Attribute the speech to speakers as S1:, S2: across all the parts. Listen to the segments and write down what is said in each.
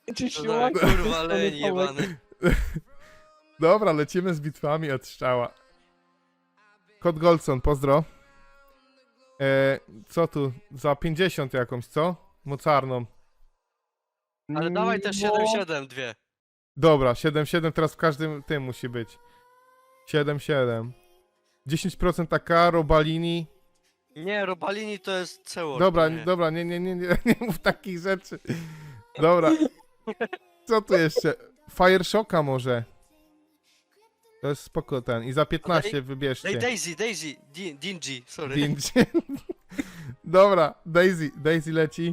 S1: Czy
S2: To
S1: siłak?
S2: za kurwa leń jebany.
S3: Dobra, lecimy z bitwami od strzała. Kot Goldson, pozdro. Co tu? Za 50 jakąś, co? Mocarną.
S2: Ale dawaj też 7-7 dwie.
S3: Dobra, 7-7 teraz w każdym tym musi być. 7-7. 10% AK, Robalini.
S2: Nie, Robalini to jest Cewor.
S3: Dobra,
S2: nie.
S3: dobra, nie mów takich rzeczy. Dobra. Co tu jeszcze? Fire Shocka może. To jest spoko ten. I za 15
S2: Daj
S3: wybierzcie.
S2: Daisy, Dingy, sorry.
S3: Dingy. Dobra, Daisy leci.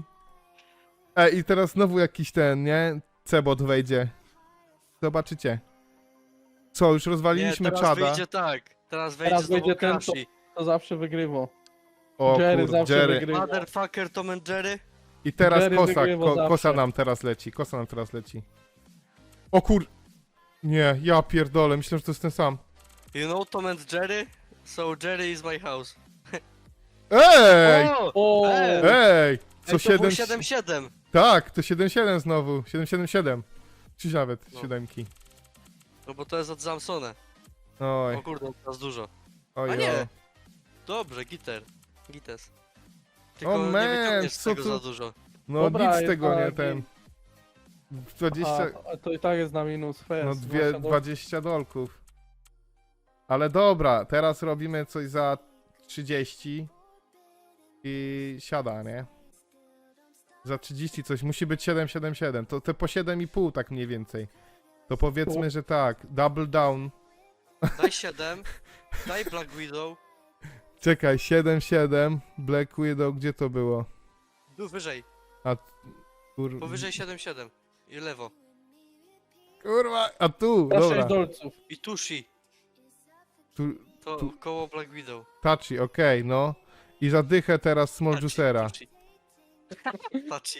S3: I teraz znowu jakiś ten, nie? Cebot wejdzie. Zobaczycie. Co, już
S2: Nie,
S3: rozwaliliśmy
S2: teraz
S3: czada.
S2: wyjdzie tak. Teraz
S1: Teraz
S2: wejdzie
S1: wyjdzie
S2: znowu
S1: ten,
S2: Krashi.
S1: To zawsze wygrywa.
S3: O
S1: Jerry
S3: kurde,
S1: zawsze
S3: Jerry.
S1: wygrywa.
S2: Motherfucker Tom and Jerry.
S3: I teraz
S1: Jerry
S3: kosa,
S1: wygrywa
S3: kosa
S1: zawsze.
S3: nam teraz leci, kosa nam teraz leci. O kur... Nie, ja pierdolę, myślę, że to jest ten sam.
S2: You know Tom and Jerry? So Jerry is my house.
S3: Ej!
S1: O!
S3: Ej! Co
S2: Ej, to było
S3: 7...
S2: 7-7.
S3: Tak, to 7-7 znowu. 7-7-7. Czy nawet
S2: No.
S3: 7.
S2: No bo to jest od Samsona.
S3: Oj,
S2: O kurde, teraz dużo.
S3: oj,
S2: A nie.
S3: oj.
S2: Dobrze, Gites. Tylko
S3: O
S2: nie
S3: man,
S2: wyciągniesz z
S3: co
S2: tego
S3: tu-
S2: za dużo.
S3: No
S1: Dobra,
S3: nic z
S1: jest
S3: tego nie
S1: taki-
S3: ten. 20...
S1: A to i tak jest na minus fest.
S3: No 20 dolków. Ale dobra, teraz robimy coś za 30 i siada, nie? Za 30 coś, musi być 777, to te po 7,5 tak mniej więcej. To powiedzmy, że tak, double down.
S2: Daj 7, daj Black Widow.
S3: Czekaj, 7,7, Black Widow, gdzie to było?
S2: Tu wyżej,
S3: Kur...
S2: powyżej 7-7. I lewo.
S3: Kurwa, a tu,
S1: Za 6
S3: dobra.
S1: dolców.
S2: I Tushi.
S3: Tu,
S2: To
S3: Tu.
S2: koło Black Widow.
S3: Tachi, okej, no. I zadychę teraz Small
S2: Tachi,
S3: Juicera.
S2: Tushi. Tachi.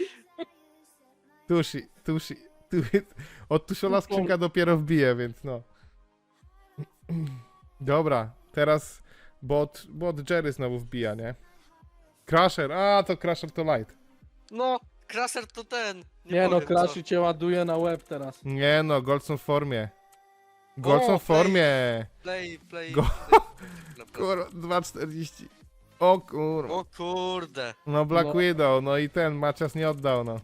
S3: Tushi. Od Tuszola skrzynka dopiero wbije, więc no. Dobra, teraz bot Jerry znowu wbija, nie? Crusher, to Crusher to light.
S2: No, Kraser to ten.
S1: Nie no,
S2: powiem,
S1: Crashy cię ładuje na łeb teraz.
S3: Nie no, Goldson w formie. Goldson w formie.
S2: Play.
S3: Go-
S2: play.
S3: Kurwa, 2,40. O kurwa.
S2: O kurde.
S3: No Black
S1: No.
S3: Widow, no i ten Macias nie oddał, no.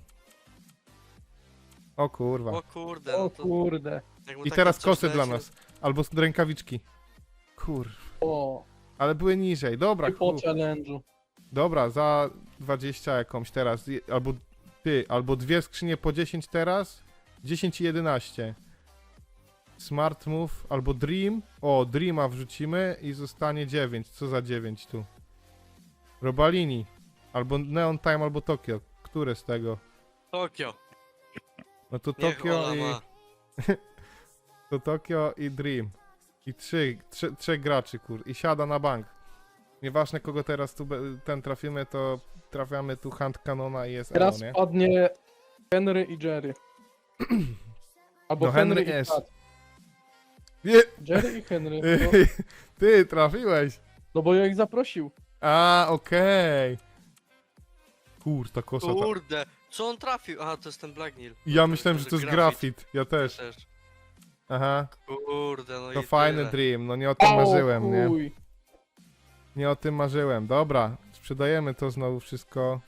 S3: O kurwa.
S2: O kurde.
S1: O
S2: No to,
S1: kurde.
S2: jak mu
S3: I
S2: takie
S3: teraz
S2: coś
S3: kosy
S2: leci,
S3: dla
S2: no-
S3: nas. Albo rękawiczki. Kurwa.
S1: O.
S3: Ale były niżej. Dobra,
S1: I po
S3: kur...
S1: challenge'u.
S3: Dobra, za 20 jakąś teraz. Albo dwie skrzynie po 10 teraz. 10 i 11. Smart Move, albo Dream. O, Dreama wrzucimy i zostanie 9. Co za 9 tu? Robalini. Albo Neon Time, albo Tokio. Które z tego?
S2: Tokio.
S3: No to
S2: Niech
S3: Tokio
S2: ona
S3: i...
S2: ma.
S3: To Tokio i Dream. I trzech graczy, kur. I siada na bank. Nieważne kogo teraz tu ten trafimy, to trafiamy tu Hand Cannona i jest Elo,
S1: Teraz
S3: nie?
S1: padnie Henry i Jerry. Albo
S3: No,
S1: Henry
S3: Henry
S1: i
S3: jest.
S1: Pat.
S3: Nie!
S1: Jerry i Henry. No,
S3: Ty trafiłeś!
S1: no bo ja ich zaprosił.
S3: Okej. Kur, ta kosa ta...
S2: Kurde. Co on trafił? Aha, to jest ten Black Nil.
S3: Ja myślałem, że to jest grafit. Ja też.
S2: Też.
S3: Aha.
S2: Kurde, no
S3: To
S2: i
S3: fajny
S2: tyle.
S3: dream. No nie o tym marzyłem, nie?
S1: chuj.
S3: Nie o tym marzyłem. Dobra, sprzedajemy to znowu wszystko.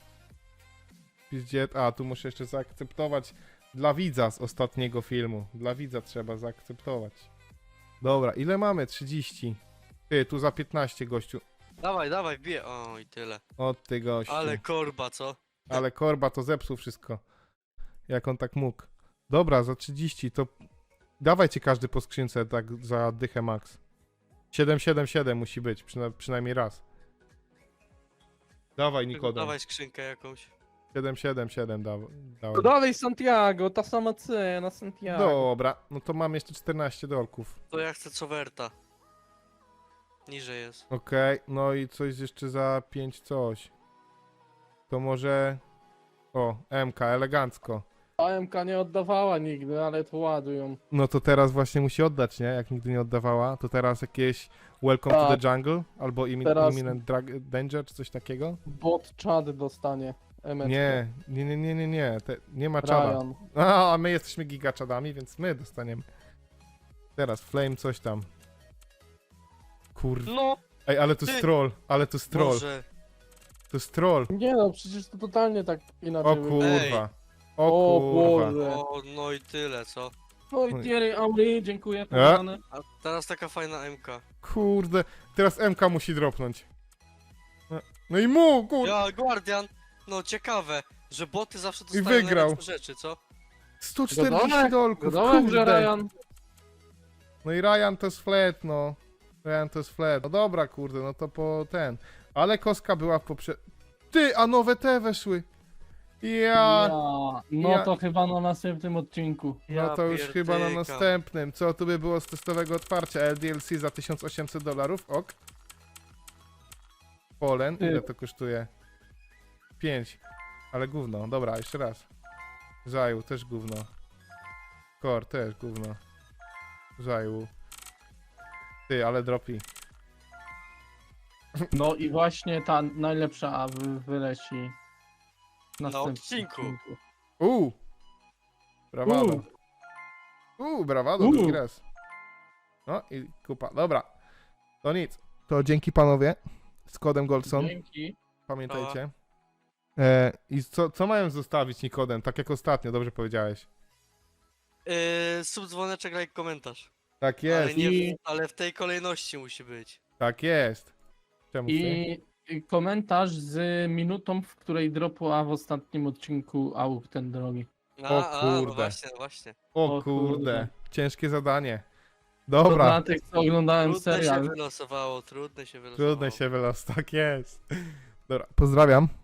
S3: Tu muszę jeszcze zaakceptować dla widza z ostatniego filmu. Dla widza trzeba zaakceptować. Dobra, ile mamy? 30. Ty, tu za 15 gościu.
S2: Dawaj, bije. O, i tyle.
S3: O ty gościu.
S2: Ale korba, co?
S3: Ale Korba to zepsuł wszystko. Jak on tak mógł. Dobra, za 30 to... Dawajcie każdy po skrzynce tak za dychę max. 777 musi być, przynajmniej raz. Dawaj Nikodem.
S2: Dawaj skrzynkę jakąś.
S3: 777
S1: To
S3: dałem.
S1: dalej Santiago, ta sama cena Santiago.
S3: Dobra, no to mam jeszcze 14 dolków.
S2: To ja chcę cowerta. Niżej jest.
S3: Okej, no i coś jeszcze za 5 coś. To może... O, MK, elegancko.
S1: AMK nie oddawała nigdy, ale to ładują.
S3: No to teraz właśnie musi oddać, nie? Jak nigdy nie oddawała, to teraz jakieś Welcome to
S1: Tak.
S3: the Jungle albo
S1: Teraz-
S3: Imminent Danger czy coś takiego.
S1: Bot Chad dostanie. Emeczkę.
S3: Nie. Nie ma czada.
S1: Ryan.
S3: A my jesteśmy gigaczadami, więc my dostaniemy. Teraz Flame coś tam. Kurde.
S2: No,
S3: Ej, ale to jest troll,
S2: Boże.
S3: To jest troll.
S1: Nie no, przecież to totalnie tak inaczej
S3: O
S1: wygląda.
S3: kurwa. O
S1: O
S3: kurwa.
S1: Boże.
S2: O, no i tyle, co?
S1: Oj, Thierry Henry, dziękuję.
S3: A?
S1: Kochany.
S2: A teraz taka fajna MK.
S3: Kurde. Teraz MK musi dropnąć. No i mu, kurde.
S2: Ja, Guardian. No ciekawe, że boty zawsze dostają
S3: wygrał.
S2: najlepsze rzeczy, co?
S3: 140
S1: Godołek,
S3: dolków,
S1: Godołek, że
S3: kurde.
S1: Ryan.
S3: No i Ryan to jest flat, no. Ryan to jest flat. No dobra, kurde, no to po ten. Ale kostka była w Ty, a nowe te weszły. Ja.
S1: No
S3: ja-
S1: to chyba na następnym odcinku.
S3: No to już chyba na
S2: pierdykam.
S3: następnym. Co tu by było z testowego otwarcia? LDLC za $1800, ok. Polen,
S1: Ty.
S3: ile to kosztuje? 5. Ale gówno, dobra, jeszcze raz. Zajął, też gówno. Core, też gówno. Zajął. Ty, ale dropi.
S1: No i właśnie ta najlepsza wyleci w
S2: Na
S1: następnym
S2: odcinku.
S3: Brawado. Brawado,
S1: U.
S3: drugi raz. No i kupa, dobra. To nic. To dzięki panowie. Z kodem Goldson.
S1: Dzięki.
S3: Pamiętajcie. I co mają zostawić Nikodem? Tak jak ostatnio, dobrze powiedziałeś.
S2: Sub, dzwoneczek, like, komentarz.
S3: Tak
S2: Ale,
S3: jest,
S2: nie, ale w tej kolejności musi być.
S3: tak jest. Czemu ty?
S1: I komentarz z minutą, w której dropła w ostatnim odcinku AUK ten drogi.
S3: O
S2: No
S3: kurde.
S2: właśnie, no właśnie.
S3: O
S1: o
S3: kurde,
S1: kurde.
S3: ciężkie zadanie.
S1: To
S3: Dobra,
S1: dla tych, co oglądałem
S2: Trudne się
S1: serial.
S2: wylosowało, trudne się wylosowało.
S3: trudne się wylos, tak jest. Dobra, pozdrawiam.